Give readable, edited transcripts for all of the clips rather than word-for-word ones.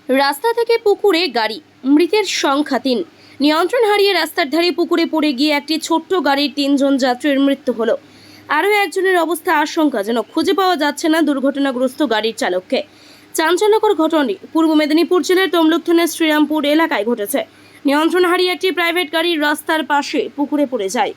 রাস্তা থেকে পুকুরে গাড়ি, মৃতের সংখ্যা ৩। নিয়ন্ত্রণ হারিয়ে রাস্তার ধারে পুকুরে পড়ে গিয়ে একটি ছোট্ট গাড়ির ৩ জন যাত্রীর মৃত্যু হলো। আরও একজনের অবস্থা আশঙ্কাজনক, খুঁজে পাওয়া যাচ্ছে না দুর্ঘটনাগ্রস্ত গাড়ির চালককে। চাঞ্চল্যকর ঘটনাটি পূর্ব মেদিনীপুর জেলার তমলুক থানার শ্রীরামপুর এলাকায় ঘটেছে। নিয়ন্ত্রণ হারিয়ে একটি প্রাইভেট গাড়ি রাস্তার পাশে পুকুরে পড়ে যায়।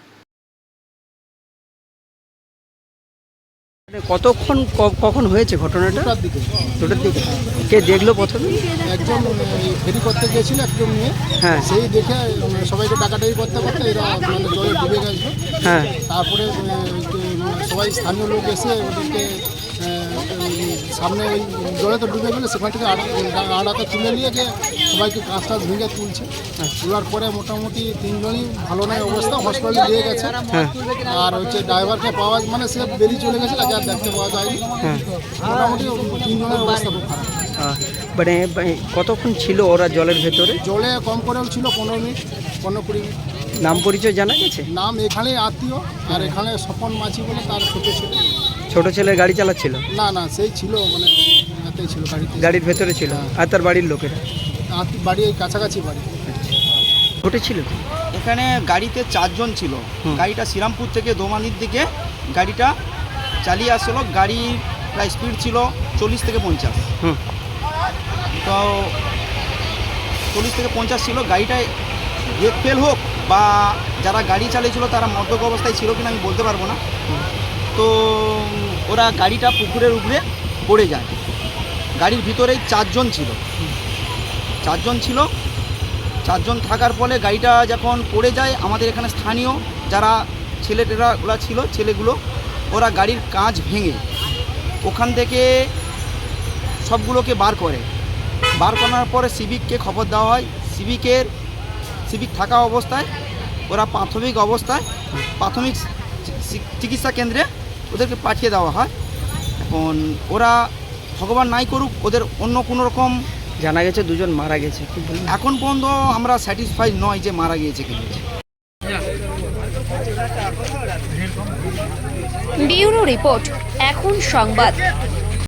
কতক্ষণ কখন হয়েছে ঘটনাটা? দুটোর দিকে। কে দেখলো প্রথমে? একজন ফেরি করতে গিয়েছিল একজন মেয়ে। হ্যাঁ। সেই দেখে সবাইকে ডাকাডাকি করতে করতে এরা জলে ডুবে গেছিল। হ্যাঁ। তারপরে সবাই স্থানীয় লোক এসে ওদেরকে সামনে ওই জলে তো ডুবে গেলে সেখান থেকে আড়াতে তুলে নিয়ে গিয়ে সবাইকে কাঁচ টাচ ভেঙে তুলছে। তোলার পরে মোটামুটি 3 জনই ভালো নয় অবস্থা, হসপিটালে নিয়ে গেছে। আর হচ্ছে ড্রাইভারকে পাওয়া মানে সে বেরিয়ে চলে গেছে, তাকে আর দেখতে পাওয়া যায়নি। মোটামুটি 3 জনের অবস্থা খুব খারাপ। মানে কতক্ষণ ছিল ওরা জলের ভেতরে? জলে কম করেও ছিল 15 মিনিট 15-20 মিনিট। নাম পরিচয় জানা গেছে? নাম এখানে আত্মীয়, আর এখানে স্বপন মাঝি বলে তার ছোট ছেলে। ছোট ছেলের গাড়ি চালাচ্ছিল? না সেই ছিল মানে এতেই ছিল গাড়িতে, গাড়ির ভেতরে ছিল। আর তার বাড়ির লোকেরা? বাড়ি এই কাছাকাছি বাড়ি। ঘটেছিল কি? এখানে গাড়িতে 4 জন ছিল। গাড়িটা শ্রীরামপুর থেকে দোমানির দিকে গাড়িটা চালিয়ে আসলো। গাড়ির প্রায় স্পিড ছিল 40 থেকে 50। তো 40 থেকে 50 ছিল। গাড়িটায় ব্রেক ফেল হোক বা যারা গাড়ি চালিয়েছিল তারা মদ্যপ অবস্থায় ছিল কিনা আমি বলতে পারবো না। তো ওরা গাড়িটা পুকুরের উপরে পড়ে যায়। গাড়ির ভিতরেই 4 জন ছিল। 4 জন থাকার ফলে গাড়িটা যখন পড়ে যায়, আমাদের এখানে স্থানীয় যারা ছেলেটেরাগুলো ছিল, ছেলেগুলো ওরা গাড়ির কাঁচ ভেঙে ওখান থেকে সবগুলোকে বার করার পরে সিভিককে খবর দেওয়া হয়। সিভিক থাকা অবস্থায় ওরা প্রাথমিক চিকিৎসা কেন্দ্রে ওদেরকে পাঠিয়ে দেওয়া হয়। এখন ওরা ভগবান নাই করুক, ওদের অন্য কোনো রকম জানা গেছে 2 জন মারা গেছে। এখন পর্যন্ত আমরা স্যাটিসফাইড নয় যে মারা গিয়েছে কি। ব্যুরো রিপোর্ট, এখন সংবাদ।